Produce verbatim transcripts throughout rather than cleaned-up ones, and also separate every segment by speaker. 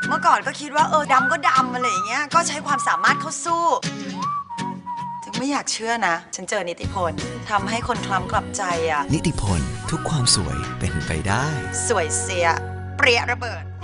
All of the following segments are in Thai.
Speaker 1: เมื่อก่อนก็คิดว่าเออดำก็ดำอะไรอย่างเงี้ยก็ใช้ความสามารถเข้าสู้ถึงไม่อยากเชื่อนะฉันเจอนิติพลทำให้คนคล้ำกลับใจอ่ะ
Speaker 2: นิติพลทุกความสวยเป็นไปได้
Speaker 1: สวยเสียเปรี้ยระเบิด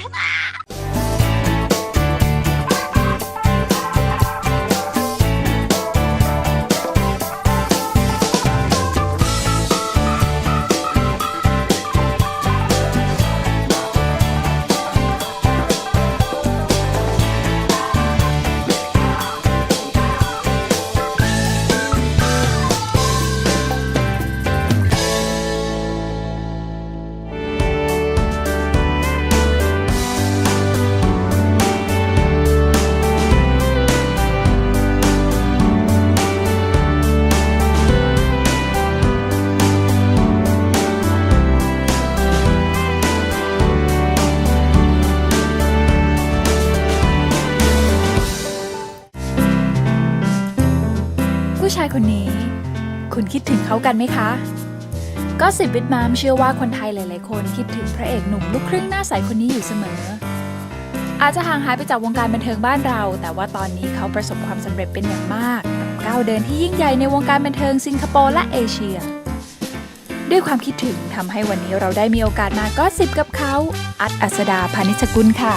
Speaker 3: ผู้ชายคนนี้คุณคิดถึงเขากันไหมคะก็สิบวิดมามเชื่อว่าคนไทยหลายๆคนคิดถึงพระเอกหนุ่มลูกครึ่งหน้าใสคนนี้อยู่เสมออาจจะห่างหายไปจากวงการบันเทิงบ้านเราแต่ว่าตอนนี้เขาประสบความสำเร็จเป็นอย่างมากกับก้าวเดินที่ยิ่งใหญ่ในวงการบันเทิงสิงคโปร์และเอเชียด้วยความคิดถึงทำให้วันนี้เราได้มีโอกาสมาก็สิบกับเขาอัดอัสดาพานิชกุลค่ะ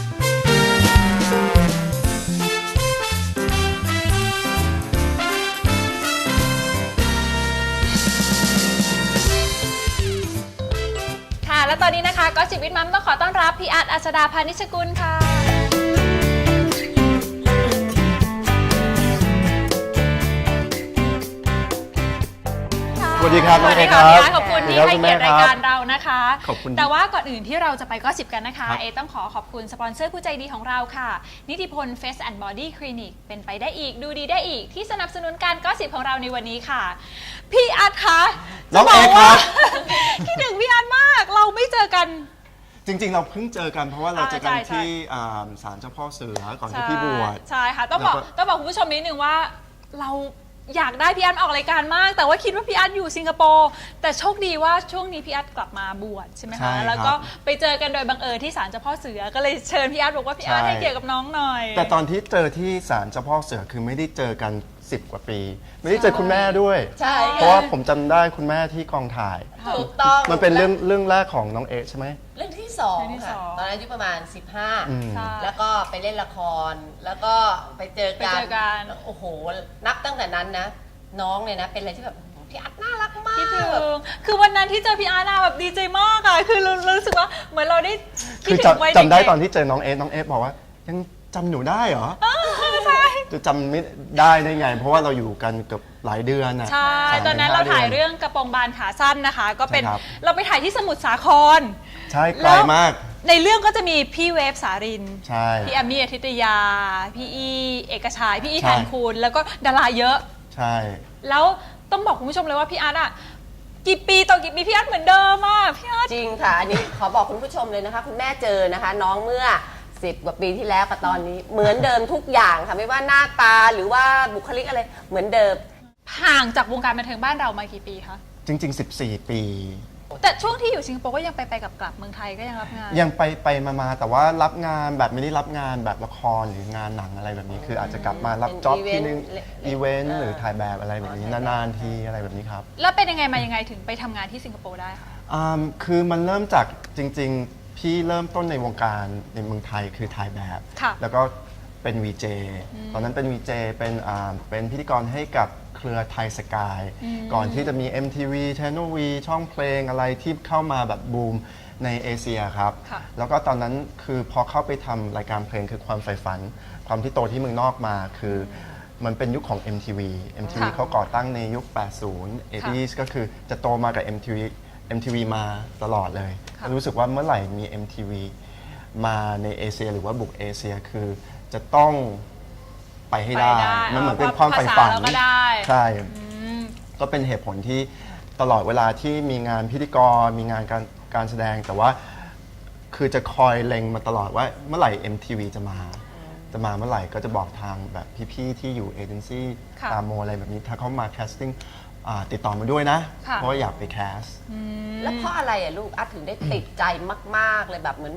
Speaker 3: และตอนนี้นะคะก็สิบวิทมัมต้องขอต้อนรับพี่อาร์ตอัสดาพานิชกุลค่ะ
Speaker 4: สวัสดีครับ
Speaker 3: สวัสดีค่ะพี่อาร์ตขอบคุณที่ให้เกียรติรายการเรานะคะ
Speaker 4: ขอบคุณ
Speaker 3: แต่ว่าก่อนอื่นที่เราจะไปก็สิบกันนะคะเอต้องขอขอบคุณสปอนเซอร์ผู้ใจดีของเราค่ะนิติพล Face and Body Clinic เป็นไปได้อีกดูดีได้อีกที่สนับสนุนการก็สิบของเราในวันนี้ค่ะพี่อาร์ตคะ
Speaker 4: น้องเอครับ
Speaker 3: คิดถึงพี่อาร์ตมากเราไม่เจอกัน
Speaker 4: จริงๆเราเพิ่งเจอกันเพราะว่าเราเจอกันที่ศาลเจ้าพ่อเสือก่อนที่พี่บวช
Speaker 3: ใช่ค่ะต้องบอกต้องบอกคุณผู้ชมนิดนึงว่าเราอยากได้พี่อาร์ตออกรายการมากแต่ว่าคิดว่าพี่อาร์ตอยู่สิงคโปร์แต่โชคดีว่าช่วงนี้พี่อาร์ตกลับมาบวชใช่ไหมคะแล้วก็ไปเจอกันโดยบังเอิญที่ศาลเจ้าพ่อเสือก็เลยเชิญพี่อาร์ตบอกว่าพี่อาร์ตให้เกียรติกับน้องหน่อย
Speaker 4: แต่ตอนที่เจอที่ศาลเจ้าพ่อเสือคือไม่ได้เจอกันสิบกว่าปีไม่ได้เจอคุณแม่ด้วยเพราะว่าผมจำได้คุณแม่ที่กองถ่าย
Speaker 5: ถูกต้อง
Speaker 4: มันเป็นเรื่องเรื่องแรกของน้องเอใช่ไหม
Speaker 5: เรื่องที่สองค่ะตอนนั้นอายุประมาณสิบห้าแล้วก็ไปเล่นละครแล้วก็ไปเจอกันโอ้โหนับตั้งแต่นั้นนะน้องเนี่ยนะเป็นอะไรที่แบบพี่อาร์ตน่ารักมาก
Speaker 3: คือวันนั้นที่เจอพี่อาร์ตแบบดีใจมากอะคือเรารู้สึกว่าเหมือนเราได้
Speaker 4: คือจำได้ตอนที่เจอน้องเอน้องเอบอกว่ายังจำหนูได้เหรอ
Speaker 3: ใช่
Speaker 4: จะจำไม่ได้ได้ไงเพราะว่าเราอยู่กันเกือบหลายเดือนอะ
Speaker 3: ใช่ตอนนั้นเราถ่ายเรื่องกระโปรงบานขาสั้นนะคะก็เป็นเราไปถ่ายที่สมุทรสาคร
Speaker 4: ใช่ไกลมาก
Speaker 3: ในเรื่องก็จะมีพี่เวฟสาริน
Speaker 4: ใช่
Speaker 3: พี่แอมมี่อาทิตยาพี่อีเอกชัยพี่อีแทนคูณแล้วก็ดาราเยอะ
Speaker 4: ใช่
Speaker 3: แล้วต้องบอกคุณผู้ชมเลยว่าพี่อาร์ตอะกี่ปีต่อกี่ปีพี่อาร์ตเหมือนเดิมอะพี่อาร์ต
Speaker 5: จริงค่ะอันนี้ขอบอกคุณผู้ชมเลยนะคะคุณแม่เจอนะคะน้องเมื่อสิบกว่าปีที่แล้วกับตอนนี้เหมือนเดิมทุกอย่างค่ะไม่ว่าหน้าตาหรือว่าบุคลิกอะไรเหมือนเดิม
Speaker 3: ห่างจากวงการบันเทิงบ้านเรามากี่ปีคะ
Speaker 4: จริงๆสิบสี่ปี
Speaker 3: แต่ช่วงที่อยู่สิงคโปร์ก็ยังไปไปกับกลับเมืองไทยก็ยังรับงาน
Speaker 4: ยังไปไปมามาแต่ว่ารับงานแบบไม่ได้รับงานแบบละครหรืองานหนังอะไรแบบนี้คืออาจจะกลับมารับจ็อบที่นึงอีเวนต์หรือถ่ายแบบอะไรแบบนี้นานๆทีอะไรแบบนี้ครับ
Speaker 3: แล้วเป็นยังไงมายังไงถึงไปทำงานที่สิงคโปร์ได้คะ
Speaker 4: อ่าคือมันเริ่มจากจริงๆพี่เริ่มต้นในวงการในเมืองไทยคือถ่ายแบบแล้วก็เป็น วี เจ ตอนนั้นเป็น วี เจ เป็นอ่าเป็นพิธีกรให้กับเครือไทยสกายก่อนที่จะมี เอ็ม ที วี Channel V ช่องเพลงอะไรที่เข้ามาแบบบูมในเอเชียครับแล้วก็ตอนนั้นคือพอเข้าไปทำรายการเพลงคือความใฝ่ฝันความที่โตที่เมืองนอกมาคือมันเป็นยุคของ เอ็ม ที วี เอ็ม ที วี เขาก่อตั้งในยุค แปดสิบ เอ ที ก็คือจะโตมากับ เอ็ม ที วี เอ็ม ที วี มาตลอดเลยรู้สึกว่าเมื่อไหร่มี เอ็ม ที วี มาในเอเชียหรือว่าบุกเอเชียคือจะต้องไปให้ได้มันเหมือนเป็นความใฝ่ฝันใช่ก็เป็นเหตุผลที่ตลอดเวลาที่มีงานพิธีกรมีงานการการแสดงแต่ว่าคือจะคอยเล็งมาตลอดว่าเมื่อไหร่ เอ็ม ที วี จะมาจะมาเมื่อไหร่ก็จะบอกทางแบบพี่ๆที่อยู่เอเจนซี่ตามโมอะไรแบบนี้ถ้าเขามาแคสติ้งติดต่อมาด้วยนะเพราะว่าอยากไปแคส
Speaker 5: แล้วเพราะอะไรอ่ะลูกอาร์ตถึงได้ติดใจมากๆเลยแบบเหมือนแบบ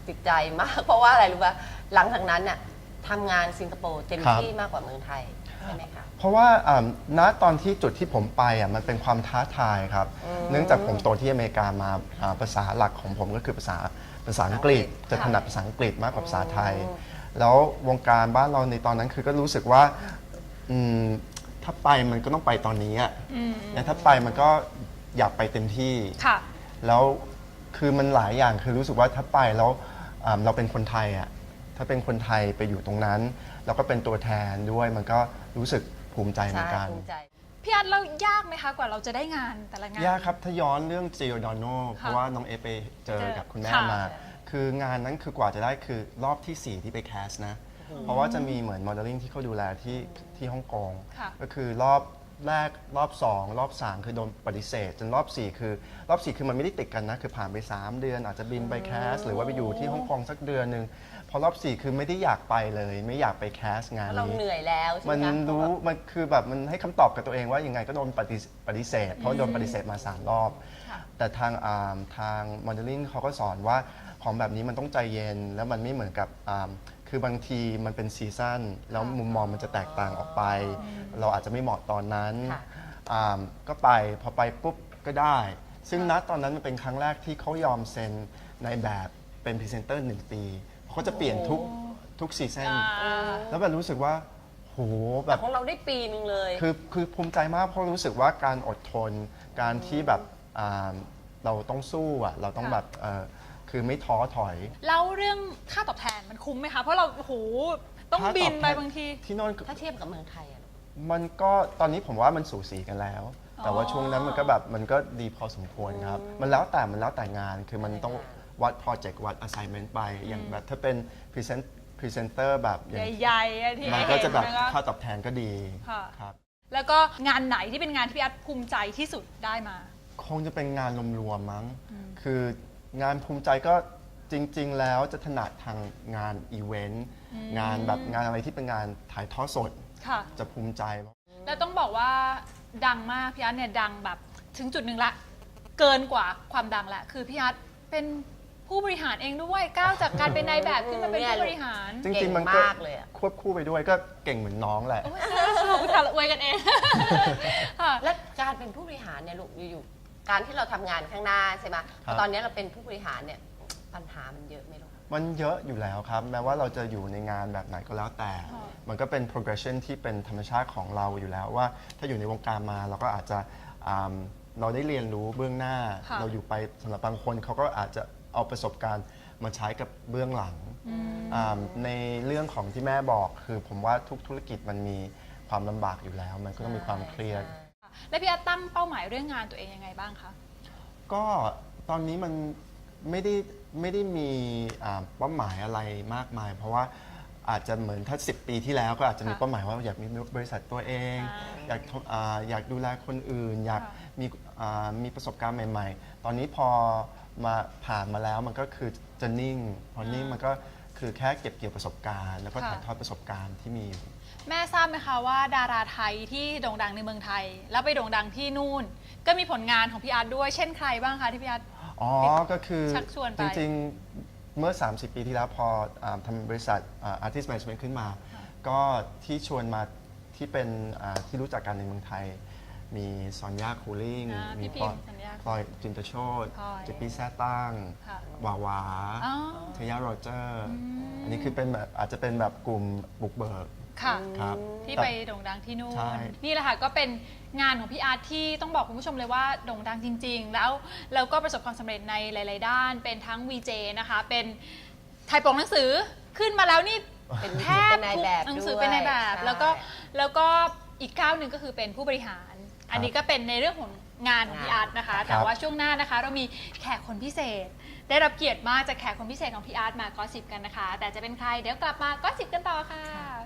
Speaker 5: ติดใจมาก เพราะว่าอะไรรู้ป่ะหลังจากนั้นน่ะทำงานสิงคโปร์เต็มที่มากกว่าเมืองไทยใช่ไหมคะ
Speaker 4: เพราะว่าณตอนที่จุดที่ผมไปอ่ะมันเป็นความท้าทายครับเนื่องจากผมโตที่อเมริกามาภาษาหลักของผมก็คือภาษาภาษาอังกฤษจะถนัดภาษาอังกฤษมากกว่าภาษาไทยแล้ววงการบ้านเราในตอนนั้นคือก็รู้สึกว่าถ้าไปมันก็ต้องไปตอนนี้อ่ะแล้วถ้าไปมันก็อยากไปเต็มที่แล้วคือมันหลายอย่างคือรู้สึกว่าถ้าไปแล้วเราเป็นคนไทยอ่ะถ้าเป็นคนไทยไปอยู่ตรงนั้นแล้วก็เป็นตัวแทนด้วยมันก็รู้สึกภูมิใจเหมือนกัน
Speaker 3: พี่อาร์ตเรายากไหมคะกว่าเราจะได้งานแต่ละงาน
Speaker 4: ยากครับถ้าย้อนเรื่องจิโอดอนโนเพราะว่าน้องเอไปเจอกับคุณแม่มาคืองานนั้นคือกว่าจะได้คือรอบที่สี่ที่ไปแคสนะเพราะว่าจะมีเหมือนโมเดลลิ่งที่เขาดูแลที่ที่ฮ่องกงก็คือรอบแรกรอบสองรอบสามคือโดนปฏิเสธจนรอบสี่คือรอบสี่คือมันไม่ได้ติดกันนะคือผ่านไปสามเดือนอาจจะบินไปแคสหรือว่าไปอยู่ที่ฮ่องกงสักเดือนนึงพอรอบสี่คือไม่ได้อยากไปเลยไม่อยากไปแคสงานนี้
Speaker 5: เราเหนื่อยแล้วใช่ไหม
Speaker 4: มันรู้มันคือแบบมันให้คำตอบกับตัวเองว่ายังไงก็โดนปฏิเสธเพราะโดนปฏิเสธมาสามรอบแต่ทางทางโมเดลลิ่งเขาก็สอนว่าของแบบนี้มันต้องใจเย็นแล้วมันไม่เหมือนกับคือบางทีมันเป็นซีซั่นแล้วมุมมองมันจะแตกต่างออกไปเราอาจจะไม่เหมาะตอนนั้นก็ไปพอไปปุ๊บก็ได้ซึ่งณตอนนั้นมันเป็นครั้งแรกที่เขายอมเซ็นในแบบเป็นพรีเซนเตอร์หนึ่งปีเขาจะเปลี่ยนทุกทุกซีซั่นแล้วแบบรู้สึกว่าโหแบบ
Speaker 5: ของเราได้ปีนึงเลย
Speaker 4: คือคือภูมิใจมากเพราะรู้สึกว่าการอดทนการที่แบบเราต้องสู้อ่ะเราต้องแบบคือไม่ท้อถอย
Speaker 3: แล้วเรื่องค่าตอบแทนมันคุ้มไหมคะเพราะเราโหต้องบินไปบางที
Speaker 4: ที่นอน
Speaker 5: ถ้าเทียบกับเมืองไทยอะ
Speaker 4: มันก็ตอนนี้ผมว่ามันสูสีกันแล้วแต่ว่าช่วงนั้นมันก็แบบมันก็ดีพอสมควรครับมันแล้วแต่มันแล้วแต่งานคือมันต้องวัดโปรเจกต์วัด assignment ไปอย่างแบบถ้าเป็นพรีเซนต์พรีเซนเตอร์แบบ
Speaker 3: ใหญ่ๆที่
Speaker 4: มันก็จะแบบค่าตอบแทนก็ดีครับ
Speaker 3: แล้วก็งานไหนที่เป็นงานที่พี่อาร์ตภูมิใจที่สุดได้มา
Speaker 4: คงจะเป็นงานรวมๆมั้งคืองานภูมิใจก็จริงๆแล้วจะถนัดทางงานอีเวนต์งานแบบงานอะไรที่เป็นงานถ่ายทอดสดจะภูมิใจ
Speaker 3: แล้วต้องบอกว่าดังมากพี่อาร์ตเนี่ยดังแบบถึงจุดหนึ่งละเกินกว่าความดังละคือพี่อาร์ตเป็นผู้บริหารเองด้วยก้าวจากการเป็นนายแบบขึ้นมาเป็นผู้บริหาร
Speaker 4: จริงๆมันก็ควบคู่ไปด้วยก็เก่งเหมือนน้องแหละ
Speaker 3: ผู้ถ่ายอวยกันเอง
Speaker 5: และการเป็นผู้บริหารเนี่ยลูกอยู่ๆการที่เราทำงานข้างหน้าใช่ไหมตอนนี้เราเป็นผู้บริหารเนี่ยปัญหามันเยอะไหมลูก
Speaker 4: มันเยอะอยู่แล้วครับแม้ว่าเราจะอยู่ในงานแบบไหนก็แล้วแต่มันก็เป็น progression ที่เป็นธรรมชาติของเราอยู่แล้วว่าถ้าอยู่ในวงการมาเราก็อาจจะเราได้เรียนรู้เบื้องหน้าเราอยู่ไปสำหรับบางคนเขาก็อาจจะเอาประสบการณ์มาใช้กับเบื้องหลังในเรื่องของที่แม่บอกคือผมว่าทุกธุรกิจมันมีความลำบากอยู่แล้วมันก็ต้องมีความเครียด
Speaker 3: และพี่อาร์ตตั้งเป้าหมายเรื่องงานตัวเองยังไงบ้างคะ
Speaker 4: ก็ตอนนี้มันไม่ได้ไม่ได้มีเป้าหมายอะไรมากมายเพราะว่าอาจจะเหมือนถ้าสิบปีที่แล้วก็อาจจะมีเป้าหมายว่าอยากมีบริษัทตัวเองอยากอยากดูแลคนอื่นอยากมีมีประสบการณ์ใหม่ๆตอนนี้พอมาผ่านมาแล้วมันก็คือจะนิ่งพอนิ่งมันก็คือแค่เก็บเกี่ยวประสบการณ์แล้วก็ถ่ายทอดประสบการณ์ที่มีอยู่
Speaker 3: แม่ทราบไหมคะว่าดาราไทยที่โด่งดังในเมืองไทยแล้วไปโด่งดังที่นู่นก็มีผลงานของพี่อาร์ตด้วยเช่นใครบ้างคะที่พี่อาร์ต
Speaker 4: อ๋อก็คือจริงๆเมื่อสามสิบปีที่แล้วพอทำบริษัท Artist Management ขึ้นมาก็ที่ชวนมาที่เป็นที่รู้จักกันในเมืองไทยมีซอนยาคูลิ่งมีพลอยจินตโชติเจปปี้แซ่ตั้งวาวาเทย่าโรเจอร์อันนี้คือเป็นแบบอาจจะเป็นแบบกลุ่มบุกเบิก
Speaker 3: ค่ะที่ไปโด่งดังที่นู่นนี่แหละค่ะก็เป็นงานของพี่อาร์ตที่ต้องบอกคุณผู้ชมเลยว่าโด่งดังจริงๆแล้วแล้วก็ประสบความสำเร็จในหลายๆด้านเป็นทั้ง วี เจ นะคะเป็นถ่ายปกหนังสือขึ้นมาแล้วนี่
Speaker 5: เป็น
Speaker 3: แทบทุกหนังสือเป็นในแบบแล้วก็แล้วก็อีกก้าวหนึ่งก็คือเป็นผู้บริหารอันนี้ก็เป็นในเรื่องของงานของพี่อาร์ตนะคะแต่ว่าช่วงหน้านะคะเรามีแขกคนพิเศษได้รับเกียรติมากจากแขกคนพิเศษของพี่อาร์ตมากอสซิปกันนะคะแต่จะเป็นใครเดี๋ยวกลับมากอสซิปกันต่อค่ะ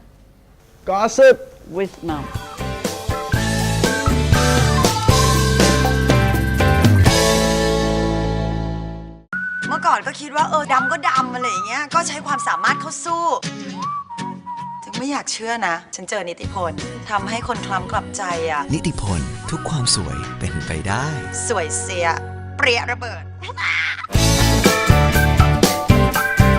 Speaker 6: Gossip with Mom
Speaker 1: เมื่อก่อนก็คิดว่าเออดำก็ดำอะไรอย่างเงี้ยก็ใช้ความสามารถเข้าสู้ถึงไม่อยากเชื่อนะฉันเจอนิติพลทำให้คนคล้ำกลับใจอ่ะ
Speaker 2: นิติพลทุกความสวยเป็นไปได้
Speaker 1: สวยเสียเปรี้ยระเบิด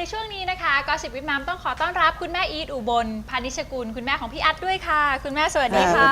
Speaker 3: ช่วงนี้นะคะก็สิบวิทย์มัมต้องขอต้อนรับคุณแม่อีทอุบลพานิชกุลคุณแม่ของพี่อัดด้วยค่ะ คุณแม่สวัสดีค่ะ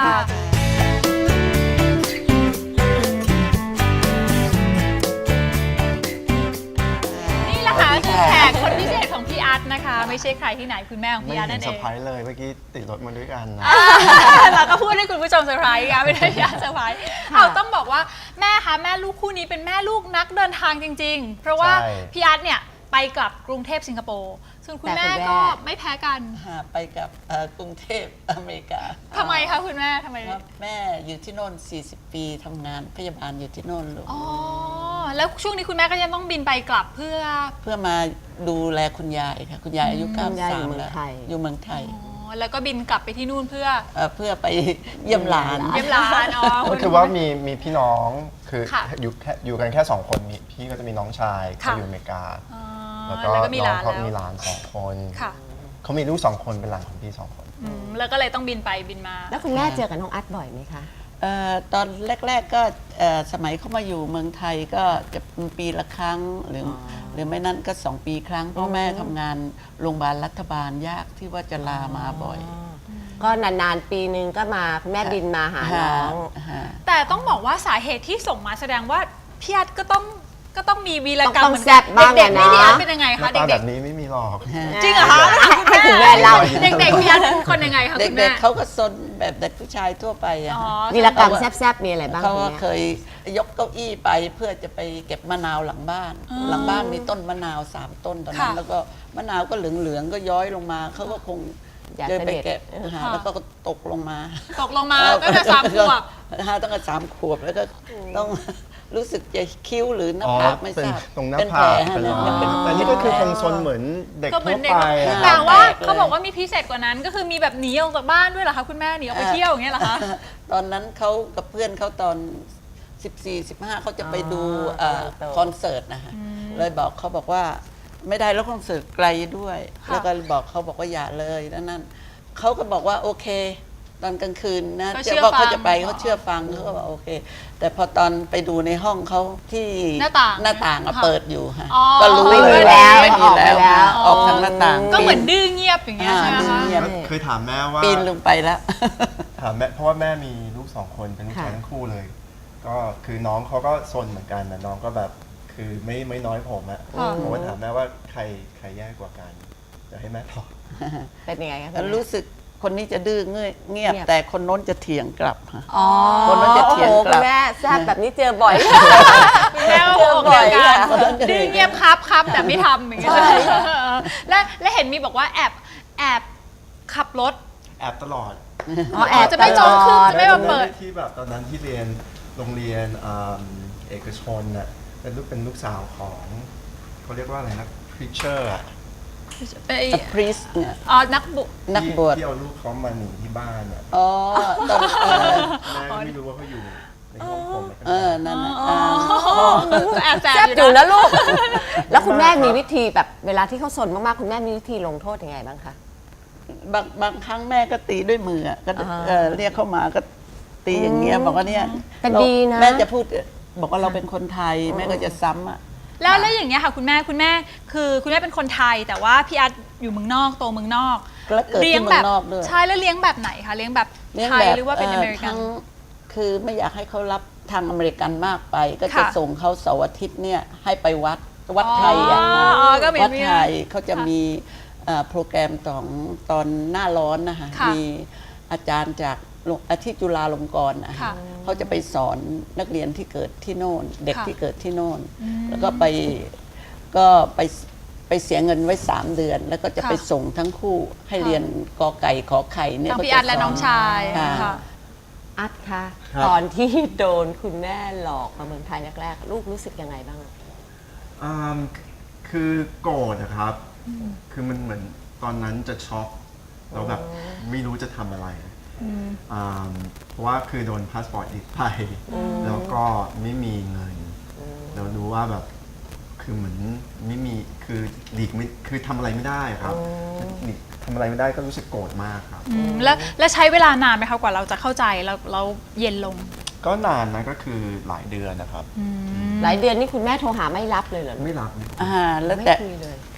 Speaker 3: นี่แหละค่ะคือแขกคนพิเศษของพี่อัดนะคะ ไม่ใช่ใครที่ไหนคุณแม่ของ
Speaker 4: ไม่
Speaker 3: พี่อัด
Speaker 4: เห็
Speaker 3: นั่
Speaker 4: น
Speaker 3: น
Speaker 4: เซ
Speaker 3: เอ
Speaker 4: อร์
Speaker 3: ง
Speaker 4: ไพรส์เลยเมื่อกี้ติดรถมาด้วยกันนะ
Speaker 3: เราก็พูดให้คุณผู้ชมเซอร์ไพรส์ค่ะไม่ได้พี่อัดเซอร์ไพรส์เอาต้องบอกว่าแม่คะแม่ลูกคู่นี้เป็นแม่ลูกนักเดินทางจริงๆ เพราะว่า
Speaker 4: ใช่
Speaker 3: พี่อัดเนี่ยไปกลับกรุงเทพสิงคโปร์ส่วนคุณแม่ก็ไม่แพ้กัน
Speaker 7: หาไปกับเอ่อกรุงเทพอเมริกา
Speaker 3: ทำไมคะคุณแม่ทำไม
Speaker 7: เพราะแม่อยู่ที่โน่น สี่สิบ ปีทำงานพยาบาลอยู่ที่โน่นลูก
Speaker 3: อ๋อแล้วช่วงนี้คุณแม่ก็ยังต้องบินไปกลับเพื่อ
Speaker 7: เพื่อมาดูแลคุณยายค่ะ คุณยายอายุเก้าสิบ
Speaker 6: ยายอ
Speaker 7: สาม
Speaker 6: ยู่เมือง
Speaker 7: แล้ว
Speaker 6: ไทย
Speaker 7: อยู่เมืองไทย
Speaker 3: อ๋อแล้วก็บินกลับไปที่นู่นเพื่อ
Speaker 7: เอ่อเพื่อไปเยี่ยมหลาน
Speaker 3: เยี่ยมร้านอ๋อ
Speaker 4: ก็คือว่ามีมีพี่น้องคือ
Speaker 3: ค่ะ
Speaker 4: อยู่แค่อยู่กันแค่สองคนมีพี่ก็จะมีน้องชาย
Speaker 3: ค่ะ
Speaker 4: เขาอยู่อเมริกา
Speaker 3: อ๋อ
Speaker 4: แล้วก็
Speaker 3: แล้วก็มี
Speaker 4: น้
Speaker 3: ห
Speaker 4: อง
Speaker 3: ลาน
Speaker 4: เขา
Speaker 3: แล้ว
Speaker 4: มีหลานสองคน
Speaker 3: ค่ะ
Speaker 4: เขามีลูกสองคนเป็นหลานของพี่สองคน
Speaker 3: อืมแล้วก็เลยต้องบินไปบินมา
Speaker 8: แล้วคุณแม่เจอกับน้องอัดบ่อยไหมคะ
Speaker 7: เอ่อตอนแรก ๆก็เอ่อสมัยเขามาอยู่เมืองไทยก็จะเป็นปีละครั้งหรืออหรือไม่นั้นก็สองปีครั้งเพราะแม่ทำงานโรงพยาบาลรัฐบาลยากที่ว่าจะลามาบ่อย
Speaker 8: ก็นานๆปีนึงก็มาคุณแม่บินมาหาน้อง
Speaker 7: ฮะ
Speaker 3: แต่ต้องบอกว่าสาเหตุที่ส่งมาแสดงว่าพี่อัดก็ต้องก็ต้องมีวีรกรรม
Speaker 8: ต้อง
Speaker 3: เหมือน
Speaker 8: แซ่บบ้าง
Speaker 3: เด็กๆ
Speaker 8: อะ
Speaker 3: นี่
Speaker 8: เนาะ
Speaker 3: พี่อัดเป็นยังไง
Speaker 4: หน้า
Speaker 3: คะ
Speaker 4: ตา
Speaker 3: เด็
Speaker 4: แบ
Speaker 3: ก
Speaker 4: บนี้ไม่มีหรอก
Speaker 3: ๆจริงเหรอคะ
Speaker 8: ให้คุณแม่เล่า
Speaker 3: เด็กๆพี่อัดเป็นคนยังไงคะคุณ
Speaker 7: เด็
Speaker 3: แม่
Speaker 7: กๆเขาก็ซนแบบเด็กผู้ชายทั่วไปอะ
Speaker 3: อ๋อ
Speaker 8: วีรกรรมแซ่บๆมีอะไรบ้าง
Speaker 7: เขา
Speaker 8: คุณ
Speaker 7: ก็
Speaker 8: แม่
Speaker 7: เคยยกเก้าอี้ไปเพื่อจะไปเก็บมะนาวหลังบ้าน หลังบ้านมีต้นมะนาวสามต้นตอนนั้น
Speaker 3: ค่ะ
Speaker 7: แล้วก็มะนาวก็เหลืองๆก็ย้อยลงมาเขาก็คง
Speaker 8: อยาก
Speaker 7: เดินไป
Speaker 8: เสด็จ
Speaker 7: เก็บหาแล้วก็ตกลงมา
Speaker 3: ตกลงมาก็จะสามขวบ
Speaker 7: ฮะตั้งแต่สามขวบแล้วก็ต้องรู้สึกจะคิ้วหรือหน้า
Speaker 4: อ๋อ
Speaker 7: ผากไม่
Speaker 4: เป็น
Speaker 7: ทราบ
Speaker 4: ตรงหน้า
Speaker 7: เป็น
Speaker 4: ผาก
Speaker 7: แผล
Speaker 4: เป็น
Speaker 7: ฮะ
Speaker 4: รอย
Speaker 7: เป็น
Speaker 4: แต่นี่ก็คือคงซนเหมือนเด็ก
Speaker 3: ก็เหมื
Speaker 4: ทั่
Speaker 3: อ
Speaker 4: วน
Speaker 3: เด็ก
Speaker 4: ไปอะ
Speaker 3: แต่ว่า
Speaker 7: แปลกเลย
Speaker 3: เขาบอกว่ามีพิเศษกว่านั้น ก็คือมีแบบหนีออกจากบ้านด้วยเหรอคะคุณแม่หนีออกไปเที่ยวอย่างเงี้ยเหรอคะ
Speaker 7: ตอนนั้นเขากับเพื่อนเขาตอน สิบสี่ สิบห้าเขาจะไปดู
Speaker 8: อ๋อ
Speaker 7: เอ่อ
Speaker 8: โต
Speaker 7: คอนเสิร์ตนะคะเลยบอกเขาบอกว่าไม่ได้แล้วคอนเสิร์ตไกลด้วย
Speaker 3: ค่ะ
Speaker 7: แล้วก็บอกเขาบอกว่าอย่าเลยแล้วนั่นเขาก็บอกว่าโอเค ตอนกลางคืนนะ
Speaker 3: ก็
Speaker 7: จะ
Speaker 3: เชื่อ
Speaker 7: ว่า
Speaker 3: ฟั
Speaker 7: เขา
Speaker 3: ง
Speaker 7: จะไปเขาเชื่อฟังเขาก็บอกโอเค แต่พอตอนไปดูในห้องเขาที่
Speaker 3: หน้าต่าง
Speaker 7: หน้าต่างอะ
Speaker 3: ค่ะ
Speaker 7: เปิดอยู่ค่ะ
Speaker 3: อ๋อ
Speaker 7: ก็รู้
Speaker 8: ไม่
Speaker 7: เล
Speaker 8: มี
Speaker 7: ย
Speaker 8: แล้ว
Speaker 7: ไม่มีแล้ว
Speaker 8: ออกไปแล้ว
Speaker 7: ออกทางหน้าต่าง
Speaker 3: ก็เหมือน
Speaker 7: ปี
Speaker 3: ดื้อเงียบอย่างเงี้ยใช่ไหม
Speaker 7: อ่า
Speaker 3: คะ
Speaker 7: ดื้อเงียบ
Speaker 4: เคยถามแม่ว่า
Speaker 7: ปีนลงไปแล้ว
Speaker 4: ถามแม่เพราะว่าแม่มีลูกสองคนเป็นลูกชาย
Speaker 8: ค่ะ
Speaker 4: ทั้งคู่เลย ก็คือน้องเขาก็ซนเหมือนกันนะน้องก็แบบคือไม่ไม่น้อยผมอะ
Speaker 3: ค่ะ
Speaker 4: ผมก็ถามแม่ว่าใครใครแย่กว่ากันเดี๋ยวให้แม่ตอบ
Speaker 8: เป็นยังไงคะ
Speaker 7: แล้วรู้สึกคนนี้จะดื้อเงียบเงียบ
Speaker 8: เงียบ
Speaker 7: แต่คนโน้นจะเถียงกลับค่ะ
Speaker 8: อ๋อ
Speaker 7: คนนั้นจะเถียง
Speaker 8: โอ้โห
Speaker 7: กลับ
Speaker 8: คุณแม่แซ่บแบบนี้เจอบ่อย
Speaker 3: คุณแม่ก็บอกเดียวกัน
Speaker 7: เจอบ่อยค่ะ
Speaker 3: ดื้อเงียบครับครับแต่ไม่ทำอย่างเงี้ยและและเห็นมีบอกว่าแอบแอบขับรถ
Speaker 4: แอบตลอด
Speaker 8: อ๋อแอบ
Speaker 3: จะไม่จองคืน
Speaker 8: ตลอด
Speaker 3: จะไม่มาเปิด
Speaker 4: ที่แบบตอนนั้นที่เรียนโรงเรียนอ่าเอกชนน่ะเป็นลูกเป็นลูกสาวของเขาเรียกว่าอะไรนะ preacher อะ
Speaker 3: ไป
Speaker 7: พรีสเนี่ย
Speaker 3: อ๋อนักบุ
Speaker 7: นักบวช
Speaker 4: ที่เอาลูกเขามาหนีที่บ้านอ่ะ
Speaker 7: อ๋อตอนเออ
Speaker 4: แม่ก็ไม่รู้ว่าเขาอยู่ในห้องผมแล้วก็
Speaker 7: เออนั่นน่ะ
Speaker 3: อ๋อ
Speaker 7: อ่า
Speaker 3: ก็แอบแสบ
Speaker 8: แซ่บ
Speaker 3: อ
Speaker 8: อยู่
Speaker 3: ยู่
Speaker 8: นะ
Speaker 3: นะ
Speaker 8: ลูก แล้วคุณแม่มีวิธีแบบเวลาที่เขาสนมากๆคุณแม่มีวิธีลงโทษยังไงบ้างคะ
Speaker 7: บางบางครั้งแม่ก็ตีด้วยมืออะก็
Speaker 8: อ่า
Speaker 7: เออเรียกเข้ามาก็ตีอย่างเงี้ยบอกว่าเนี่ย
Speaker 8: แต่
Speaker 7: เรา
Speaker 8: ดีนะ
Speaker 7: แม่จะพูดบอกว่าเราเป็นคนไทยแม่ก็จะซ้ำอ่ะ
Speaker 3: แล้วแล้วอย่างเงี้ยค่ะคุณแม่คุณแม่คือคุณแม่เป็นคนไทย แต่ว่าพี่อาร์ตอยู่เมืองนอกโตเมืองนอก
Speaker 7: แล้วเกิดที่เมืองนอกด้วย
Speaker 3: ใช่แล้วเลี้ยงแบบไหนคะเลี้ยงแบบ
Speaker 7: เลี้ยง
Speaker 3: ไทย
Speaker 7: แบบ
Speaker 3: หรือว่าเป็นอเมริกัน
Speaker 7: ทั้งคือไม่อยากให้เขารับทางอเมริกันมากไป ก็จะ
Speaker 3: ค่ะ
Speaker 7: ส่งเขาเสาร์อาทิตย์เนี่ยให้ไปวัดวัดไทยอ่ะ
Speaker 3: อ๋ออ๋อก็มี
Speaker 7: วัดไทยเขาจะ
Speaker 3: ค่ะ
Speaker 7: มีเอ่อโปรแกรมของตอนหน้าร้อนนะคะ
Speaker 3: ค่ะ
Speaker 7: มีอาจารย์จากโรงอาที่จุฬาลงกรณ์นะคะ
Speaker 3: ค่ะ
Speaker 7: เขาจะไปสอนนักเรียนที่เกิดที่โน่น เด็ก
Speaker 3: ค่ะ
Speaker 7: ที่เกิดที่โน่น แล้วก็ไปก็ไปไปเสียเงินไว้สามเดือน แล้วก็จะ
Speaker 3: ค่ะ
Speaker 7: ไปส่งทั้งคู่ให้เรียนกอไก่ขอไข่เนี่ย
Speaker 3: ทั้ง
Speaker 7: เขา
Speaker 3: พี่
Speaker 7: จะ
Speaker 3: อาร์ตและ
Speaker 7: ส
Speaker 3: น้องชาย
Speaker 7: ค่ะ
Speaker 3: ค่ะ
Speaker 8: อัดคะ
Speaker 4: ครับ
Speaker 8: ตอนที่โดนคุณแม่หลอกมาเมืองไทยแรกๆลูกรู้สึกยังไงบ้าง
Speaker 4: อ่าคือโกรธนะครับ คือมันเหมือนตอนนั้นจะช็อกเราแบบไม่รู้จะทำอะไรอ่าเพราะว่าคือโดนพาสปอร์ตยึดไป แล้วก็ไม่มีเงินเรารู้ว่าแบบคือเหมือนไม่มีคือหลีกไม่คือทำอะไรไม่ได้ครับหลีกทำอะไรไม่ได้ก็รู้สึกโกรธมากครับ
Speaker 3: อืมแล้วแล้วใช้เวลานานไหมคะกว่าเราจะเข้าใจแล้วเราเย็นลง
Speaker 4: ก็นานนะก็คือหลายเดือนนะครับ
Speaker 8: หลายเดือนนี่คุณแม่โทรหาไม่รับเลยเหรอลูก
Speaker 4: ไม่รับ
Speaker 7: อ่าแล้ว
Speaker 8: ไม่
Speaker 7: แต่
Speaker 8: คุยเลย
Speaker 7: ค่ะ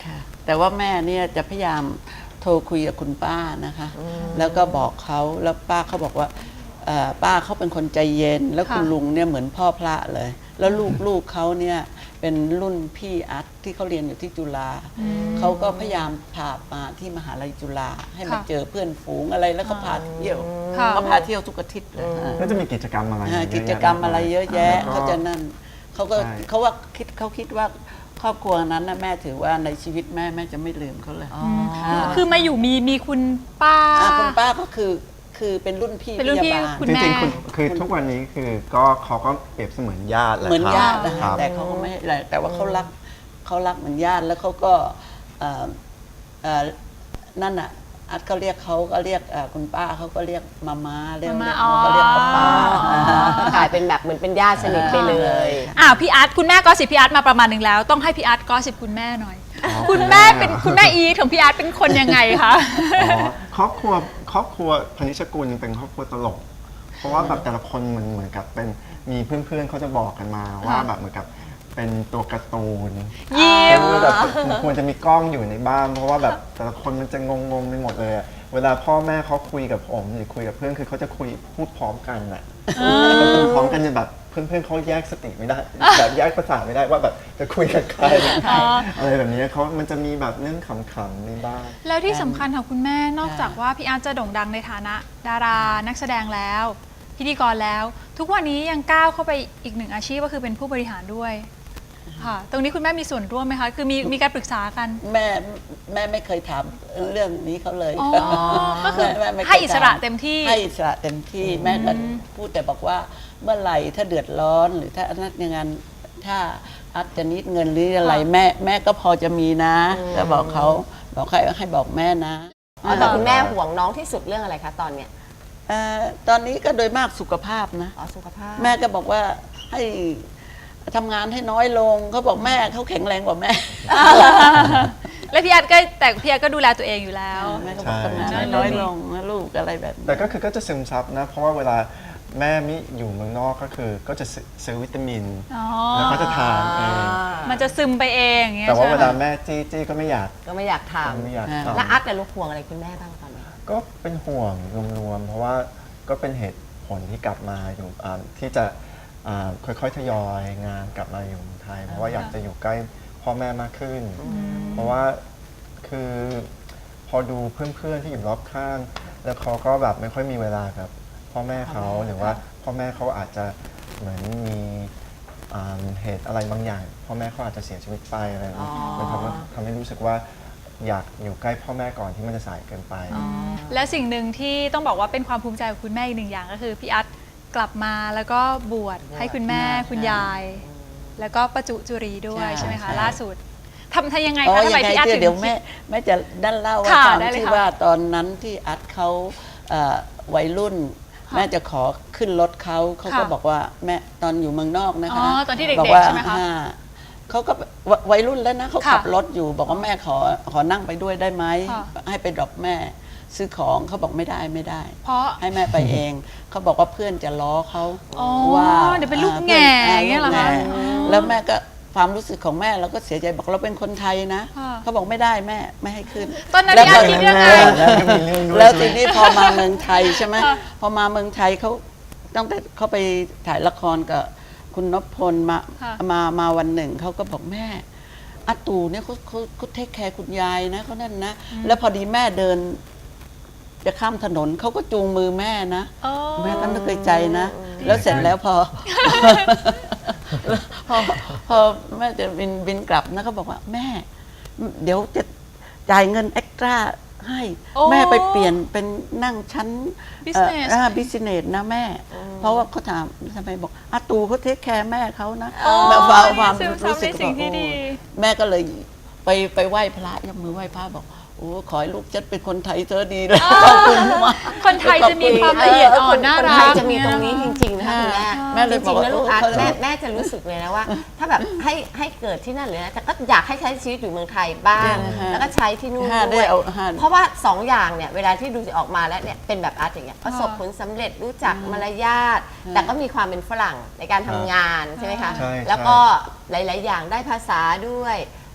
Speaker 7: แต่ว่าแม่เนี่ยจะพยายามโทรคุยกับคุณป้านะคะ แล้วก็บอกเขาแล้วป้าเขาบอกว่าเอ่อป้าเขาเป็นคนใจเย็น แล้วคุณ
Speaker 3: ค่ะ
Speaker 7: ลุงเนี่ยเหมือนพ่อพระเลย แล้วลูกลูกเขาเนี่ยเป็นรุ่นพี่อัดที่เขาเรียนอยู่ที่จุฬาเขาก็พยายามพามาที่มหาลัยจุฬาให้มา
Speaker 3: ค่ะ
Speaker 7: เจอเพื่อนฝูงอะไรแล้วก็พาเที่ยว
Speaker 3: ค่ะ
Speaker 7: เขาพาเที่ยวทุกอาทิตย์เลยค่ะ
Speaker 4: ก็จะมีกิจกรรมอะไร
Speaker 7: อ่า
Speaker 4: เยอะแย
Speaker 7: กิจกรรมอะไรเยอะแยะ
Speaker 4: ล้ว
Speaker 7: เขา
Speaker 4: ก็
Speaker 7: จะนั่นเขาก็
Speaker 4: ใช่
Speaker 7: เขาว่าคิดเขาคิดว่าครอบครัวนั้นนะแม่ถือว่าในชีวิตแม่แม่จะไม่ลืมเขาเลยา
Speaker 3: คือมาอยู่มีมีคุณป้า
Speaker 7: อ่าคุณป้าก็คือคือเป็นรุ่นพี่
Speaker 3: เป็นรุ่นพี่
Speaker 7: พยาบาล
Speaker 3: คุณ
Speaker 4: จ
Speaker 3: แม่
Speaker 4: ริงๆคุณคือทุกวันนี้คือก็เขาก็เปรียบเสมือนญาติแหละ
Speaker 7: เหมือน
Speaker 4: ครับ
Speaker 7: ญาตินะ
Speaker 4: ค
Speaker 7: คะ
Speaker 4: รับ
Speaker 7: แต่เขาก็ไม่อะไรแต่ว่าเขารักเขารักเหมือนญาติแล้วเขาก็เอ่อเอ่อนั่นอ่ะอัดเขาเรียกเขาก็เรียกเอ่อคุณป้าเขาก็เรียกมาม่าเรียก
Speaker 3: มาม่า
Speaker 7: เขาก็เรียกป้าป้า
Speaker 3: อ๋อ
Speaker 8: กลายเป็นแบบเหมือนเป็นญาติสนิทไปเลย
Speaker 3: อ่าพี่อาร์ตคุณแม่ก็สิบพี่อาร์ตมาประมาณหนึ่งแล้ว ต้องให้พี่อาร์ตก็สิบคุณแม่หน่อย คุณแม่เป็นคุณแม่อีทของพี่อาร์ตเป็นคนยังไงคะ
Speaker 4: อ๋อครอบครัวครอบครัวพนิชกุลเป็นครอบครัวตลก เพราะว่าแบบแต่ละคนมันเหมือนกับเป็นมีเพื่อนๆเขาจะบอกกันมาว่าแบบเหมือนกับเป็นตัวการ์ตูน
Speaker 3: ยิ้ม
Speaker 4: คือแบบควรจะมีกล้องอยู่ในบ้านเพราะว่าแบบแต่ละคนมันจะงงๆไปหมดเลยอะเวลาพ่อแม่เขาคุยกับผมหรือคุยกับเพื่อนคือเขาจะคุยพูดพร้อมกันแหละแล้วพูดพร้อมกันจนแบบเพื่อนๆเขาแยกสติไม่ได้แบบแยกภาษาไม่ได้ว่าแบบจะคุยกับใครอะไรแบบนี้เขามันจะมีแบบเรื่องขำๆในบ้าน
Speaker 3: แล้วที่สำคัญของคุณแม่นอกจากว่าพี่อาร์ตจะโด่งดังในฐานะ ดารานักแสดงแล้ว พิธีกรแล้ว ทุกวันนี้ยังก้าวเข้าไปอีกหนึ่งอาชีพก็คือเป็นผู้บริหารด้วยค่ะตรงนี้คุณแม่มีส่วนร่วมไหมคะคือมีมีการปรึกษากัน
Speaker 7: แม่แม่ไม่เคยถามเรื่องนี้เขาเลย
Speaker 3: อ๋อก็คือ
Speaker 7: แม่ไม่เคย
Speaker 3: ให้อิสระ
Speaker 7: ถา
Speaker 3: เต็มที่
Speaker 7: ให้อิสระเต็มที่แม่ก็พูดแต่บอกว่าเมื่อไหร่ถ้าเดือดร้อนหรือถ้าอันนั้นอย่างนั้นถ้าอัดจะนิดเงินหรืออะไรแม่แม่ก็พอจะมีนะก็บอกเขาบอกให้ให้บอกแม่นะ
Speaker 8: อ๋อแต่คุณแม่ห่วงน้องที่สุดเรื่องอะไรคะตอนเนี้ย
Speaker 7: เอ่อตอนนี้ก็โดยมากสุขภาพนะ
Speaker 8: อ๋อสุขภาพ
Speaker 7: แม่ก็บอกว่าให้ทำงานให้น้อยลงเขาบอกแม่เขาแข็งแรงกว่าแม่
Speaker 3: และพี่อาร์ตก็แต่พี่อาร์ตก็ดูแลตัวเองอยู่แล้ว
Speaker 7: แม่ก็บอก
Speaker 4: ใช่
Speaker 7: ทำงานให้น้อยลงนะลูกอะไรแบบนี้
Speaker 4: แต่ก็คือก็จะซึมซับนะ เพราะว่าเวลาแม่มิอยู่เมืองนอกก็คือก็จะซื้อซื้อวิตามิน
Speaker 3: อ๋อ
Speaker 4: แล้วก็จะทานเอง
Speaker 3: มันจะซึมไปเองอย่างเงี้ย
Speaker 4: แต่ว่า
Speaker 3: ใช่
Speaker 4: เว
Speaker 3: ไหม
Speaker 4: ลาแม่จี้จี้ก็ไม่อยาก
Speaker 8: ก็ไม่อยากท
Speaker 4: ไม่อยาก
Speaker 7: อ่า
Speaker 8: ำ
Speaker 4: ทำ
Speaker 8: แล้วอัดเนี่ยลูกห่วงอะไรคุณแม่บ้างตอนนี้
Speaker 4: ก็เป็นห่วงรวมๆเพราะว่าก็เป็นเหตุผลที่กลับมาอยู่อ่าที่จะอ่าค่อยๆทยอยงานกลับมาอยู่เมืองไทย เพราะว่าอยากจะอยู่ใกล้พ่อแม่มากขึ้น เพราะว่าคือพอดูเพื่อนๆที่อยู่รอบข้าง แล้วเขาก็แบบไม่ค่อยมีเวลากับพ่อแม่เขาหรือว่าพ่อแม่เขาอาจจะเหมือนมีอ่าเหตุอะไรบางอย่าง พ่อแม่เขาอาจจะเสียชีวิตไปอะไรแบบนี้มันทำให้ทำให้รู้สึกว่าอยากอยู่ใกล้พ่อแม่ก่อนที่มันจะสายเกินไป
Speaker 3: และสิ่งหนึ่งที่ต้องบอกว่าเป็นความภูมิใจของคุณแม่อีกหนึ่งอย่างก็คือพี่อาร์ตกลับมาแล้วก็บวชให้คุณแม่คุณยาย แล้วก็ประจุจุรีด้วย
Speaker 7: ใช่
Speaker 3: ใช่ไหมคะ
Speaker 7: ใช่
Speaker 3: ล่าสุดทำทำยังไง
Speaker 7: อ๋อ
Speaker 3: คะทำไม
Speaker 7: ยังไง
Speaker 3: พี่อาร์ต
Speaker 7: เดี๋ยว
Speaker 3: ถึง
Speaker 7: เดี๋ยวแม่แม่จะด้านเล่าว่า
Speaker 3: ค่ะ
Speaker 7: ตอน
Speaker 3: ได้เลย
Speaker 7: ที่
Speaker 3: ค่ะ
Speaker 7: ว่าตอนนั้นที่อัดเขาเอ่อวัยรุ่น แม่จะขอขึ้นรถเขาเขาก็
Speaker 3: ค่ะ
Speaker 7: บอกว่าแม่ตอนอยู่เมืองนอกนะคะ
Speaker 3: อ๋อตอนที่เด็กๆ
Speaker 7: บอกว่า
Speaker 3: ใช่ไหมคะ
Speaker 7: อ่าเขาก็ววัยรุ่นแล้วนะเขา
Speaker 3: ค่ะ
Speaker 7: ขับรถอยู่ บอกว่าแม่ขอขอนั่งไปด้วยได้ไหม
Speaker 3: ค่ะ
Speaker 7: ให้ไปดรอปแม่ซื้อของเขาบอกไม่ได้ไม่ได้
Speaker 3: เพราะ
Speaker 7: ให้แม่ไปเอง เขาบอกว่าเพื่อนจะล้อเขา
Speaker 3: อ๋อ
Speaker 7: ว่า
Speaker 3: เดี๋ยวเป็นลูก
Speaker 7: อ่า
Speaker 3: แง่
Speaker 7: พื่
Speaker 3: อย่างเงี้ยเหรอคะ
Speaker 7: ลูกแง่แล้วแม่ก็ความรู้สึกของแม่เราก็เสียใจบอกเราเป็นคนไทยนะ
Speaker 3: ค่ะ
Speaker 7: เขาบอกไม่ได้แม่ไม่ให้ขึ้น
Speaker 3: ตอนนั้น
Speaker 7: แล้ว
Speaker 3: พี่
Speaker 7: พ
Speaker 3: อาร์ตคิดยังไง
Speaker 4: แล้วก็มีเรื่องด้วย
Speaker 7: แล้ว
Speaker 4: ใช่
Speaker 7: ที
Speaker 4: ไหม
Speaker 7: นี้พอมาเมืองไทยใช่ไหม
Speaker 3: ค่ะ
Speaker 7: พอมาเมืองไทยเขาตั้งแต่เขาไปถ่ายละครกับคุณนพพลมา
Speaker 3: ค่ะ
Speaker 7: มามาวันหนึ่งเขาก็บอกแม่อาตู่เนี่ยเขาเขาเขาเทคแคร์คุณยายนะเขานั่นนะ แล้วพอดีแม่เดิน จะข้ามถนนเขาก็จูงมือแม่นะ
Speaker 3: อ๋อ
Speaker 7: แม่ก็นึกในใจนะ แล้วเสร็จแล้วพอ พอพอแม่จะบินบินกลับนะเขาบอกว่าแม่ เดี๋ยวจะจ่ายเงินเอ็กตร้าให้
Speaker 3: โอ้
Speaker 7: แม่ไปเปลี่ยนเป็นนั่งชั้น
Speaker 3: Business
Speaker 7: บิสเนสนะแม่ เพราะว่าเขาถามทำไมบอกอาตูเขาเทคแคร์แม่เขานะ
Speaker 3: อ๋อ
Speaker 7: แบบความความ
Speaker 3: ซึมซับ
Speaker 7: รู้สึก
Speaker 3: ในสิ่งที่ดี
Speaker 7: โอ้แม่ก็เลยไปไปไหว้พระยกมือไหว้พระบอกโอ้ขอให้ลูกฉันเป็นคนไทยเธอดีเลยขอบคุณมาก
Speaker 3: คนไทยจะมีความละเอียดอ่อนน่า
Speaker 8: คน
Speaker 3: รั
Speaker 8: ไทย
Speaker 3: ก
Speaker 8: จะมีตรงนี้จริงๆนะคะคุณแม่
Speaker 7: แม่เลย
Speaker 8: จ
Speaker 7: บอ
Speaker 8: ริ
Speaker 7: ก
Speaker 8: งๆ
Speaker 7: ว่า
Speaker 8: แล้วลูกอาร์ต
Speaker 7: เออ
Speaker 8: แม่แม่จะรู้สึกเลยนะว่า ถ้าแบบให้ให้เกิดที่นั่นเลยนะแต่ก็อยากให้ใช้ชีวิตอยู่เมืองไทยบ้าง
Speaker 7: เนี่ยนะฮะ
Speaker 8: แล้วก็ใช้ที่นู่น
Speaker 7: ฮะ
Speaker 8: ด้วย
Speaker 7: ได้เอาฮะ
Speaker 8: เพราะว่าสองอย่างเนี่ยเวลาที่ดูจะออกมาแล้วเนี่ยเป็นแบบอาร์ตอย่างเงี้ยประสบผลสำเร็จรู้จักมารยาทแต่ก็มีความเป็นฝรั่งในการทำงานใช่ไหมคะ
Speaker 4: ใช่ใช่
Speaker 8: แล้วก็หลาย ๆ อย่างได้ภาษาด้วย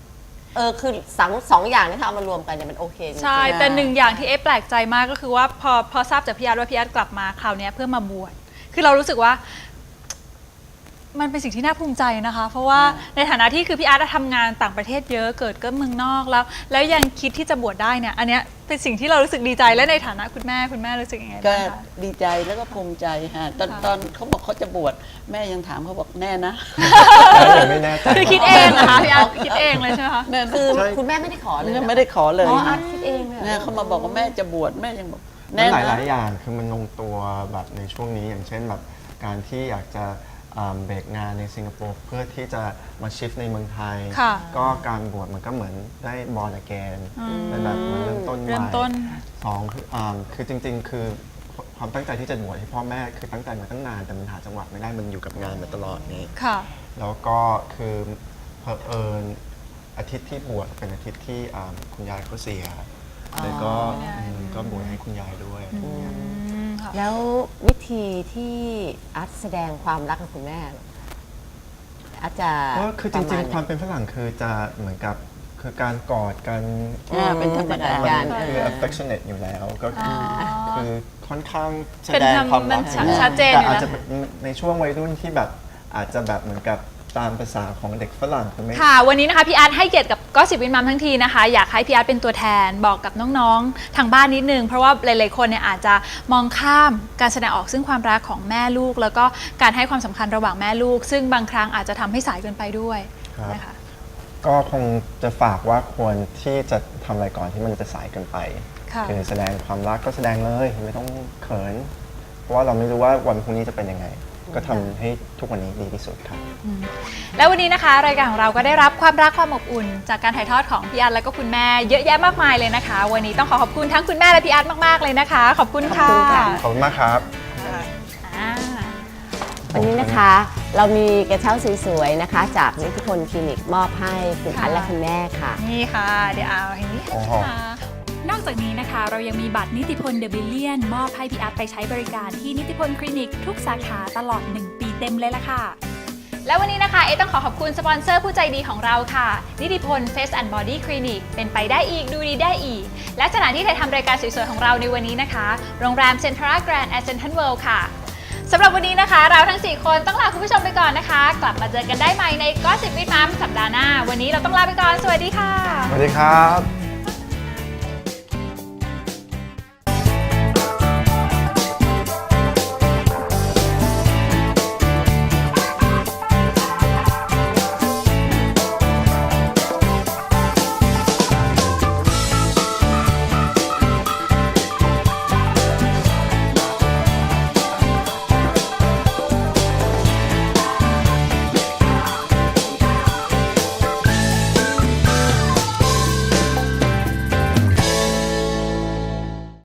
Speaker 8: เออคือสองสองอย่างนี้ถ้าเอามารวมกันเนี่ยมันโอเคจริงๆ
Speaker 9: ใช่ แต่หนึ่งอย่างที่เอ๊ะแปลกใจมากก็คือว่าพอพอทราบจากพี่อาร์ตว่าพี่อาร์ตกลับมาคราวเนี้ยเพื่อมาบวชคือเรารู้สึกว่ามันเป็นสิ่งที่น่าภูมิใจนะคะ เพราะว่าในฐานะที่คือพี่อาร์ตทำงานต่างประเทศเยอะเกิดก็เมืองนอกแล้ว แล้วยังคิดที่จะบวชได้เนี่ยอันเนี้ยเป็นสิ่งที่เรารู้สึกดีใจและในฐานะคุณแม่คุณแม่รู้สึกยังไง
Speaker 7: ก็
Speaker 9: บ้างคะ
Speaker 7: ดีใจแล้วก็ภูมิใจฮะตอนตอนเขาบอกเขาจะบวชแม่ยังถามเขาบอกแน่นะ
Speaker 4: ยังไม่แน่ใจ
Speaker 9: คือคิดเองเหรอคะพี่อาร์ตคิดเองเลยใช่ไหมคะ
Speaker 7: แน่
Speaker 8: คือ
Speaker 4: ใช่
Speaker 8: คุณแม่ไม่ได้ขอเลย
Speaker 7: เนี่ยไม่ได้ขอเลย
Speaker 8: อ๋ออาร์ตคิดเองเลยเหรอ
Speaker 7: เนี่ยเขามาบอกว่าแม่จะบวชแม่ยังบอก
Speaker 4: มั
Speaker 7: แน่
Speaker 4: นหลายห
Speaker 7: นะ
Speaker 4: ลายๆอย่างคือมันลงตัวแบบในช่วงนี้อย่างเช่นแบบการที่อยากจะอ่าเบรกงานในสิงคโปร์เพื่อที่จะมาชิฟในเมืองไทย
Speaker 9: ค่ะ
Speaker 4: ก็การบวชมันก็เหมือนได้บอลอแกนเป็นแบบเหมือนเริ่มต้นให
Speaker 9: เริ่ม
Speaker 4: ม่
Speaker 9: ต้น
Speaker 4: สองคืออ่าคือจริง ๆ คือความตั้งใจที่จะบวชให้พ่อแม่คือตั้งใจมาตั้งนานแต่มันหาจังหวะไม่ได้มันอยู่กับงานมาตลอดนี้
Speaker 9: ค่ะ
Speaker 4: แล้วก็คือเผอิญอาทิตย์ที่บวชเป็นอาทิตย์ที่อ่าคุณยายเขาเสียเลยก็อืมก็บวชให้คุณยายด้วยอะไรอย่างเงี้ย
Speaker 8: แล้ววิธีที่อาร์ตแสดงความรักกับคุณแม่อาร์ตจะ
Speaker 4: ก็คือจริงๆ ความ
Speaker 8: ปะณ
Speaker 4: เป็นฝรั่งคือจะเหมือนกับคือการกอดกัน
Speaker 7: อ่าเป็นธรรมดา
Speaker 4: มันคือ affectionate อยู่แล้วก็คืออคือค่อนข้างแส
Speaker 9: เป็น
Speaker 4: ดง
Speaker 9: ธรรม
Speaker 4: ความรัก
Speaker 9: มัน
Speaker 4: อยู่แล้ว
Speaker 9: ชัดเจน
Speaker 4: แต่
Speaker 9: อยู่
Speaker 4: อาจ
Speaker 9: แล้ว
Speaker 4: จะเป็นในช่วงวัยรุ่นที่แบบอาจจะแบบเหมือนกับตามภาษาของเด็กฝรั่งคือไม่
Speaker 9: ค่ะวันนี้นะคะพี่อาร์ตให้เกียรติกับก็สิบวินมัมทั้งทีนะคะอยากให้พี่อาร์ตเป็นตัวแทนบอกกับน้องๆทางบ้านนิดนึงเพราะว่าหลายๆคนเนี่ยอาจจะมองข้ามการแสดงออกซึ่งความรักของแม่ลูก แล้วก็การให้ความสำคัญระหว่างแม่ลูก ซึ่งบางครั้งอาจจะทำให้สายเกินไปด้วย
Speaker 4: ครับ
Speaker 9: นะคะ
Speaker 4: ก็คงจะฝากว่าควรที่จะทำอะไรก่อนที่มันจะสายเกินไป
Speaker 9: ค่ะ
Speaker 4: คือแสดงความรักก็แสดงเลยไม่ต้องเขิน เพราะว่าเราไม่รู้ว่าวันพรุ่งนี้จะเป็นยังไง ก็ทำให้ทุกวันนี้ดีที่สุดครับ
Speaker 9: แล้ววันนี้นะคะรายการของเราก็ได้รับความรักความอบอุ่น จากการถ่ายทอดของพี่อาร์ตและก็คุณแม่เยอะแยะมากมายเลยนะคะ วันนี้ต้องขอขอบคุณทั้งคุณแม่และพี่อาร์ตมากๆเลยนะคะ ขอบคุณค่ะ
Speaker 4: ขอบคุณมากครับ
Speaker 9: อ่า
Speaker 8: วันนี้นะคะเรามีกระเช้าสวยๆนะคะ จากนิติพลคลินิกมอบให้คุณอาร์ตและคุณแม่ค่ะ
Speaker 9: นี่ค่ะ เดี๋ยวเอาอย่างนี้
Speaker 4: โอ้โห
Speaker 9: ค่ะนอกจากนี้นะคะ เรายังมีบัตรนิติพลเดอะบิลเลียนมอบให้พี่อาร์ตไปใช้บริการที่นิติพลคลินิกทุกสาขาตลอดหนึ่งปีเต็มเลยล่ะค่ะ แล้ววันนี้นะคะเอ๊ต้องขอขอบคุณสปอนเซอร์ผู้ใจดีของเราค่ะ นิติพล Face and Body Clinic เป็นไปได้อีกดูดีได้อีก และสถานที่ถ่ายทำรายการสวยๆของเราในวันนี้นะคะ โรงแรมเซ็นทรัลแกรนด์แอสเซนทันเวิลด์ค่ะสำหรับวันนี้นะคะ เราทั้งสี่คนต้องลาคุณผู้ชมไปก่อนนะคะ กลับมาเจอกันได้ใหม่ในก็สิบวิดมัมสัปดาห์หน้าวันนี้เราต้องลาไปก่อนสวัสดีค่ะ
Speaker 4: สวัสดีครับ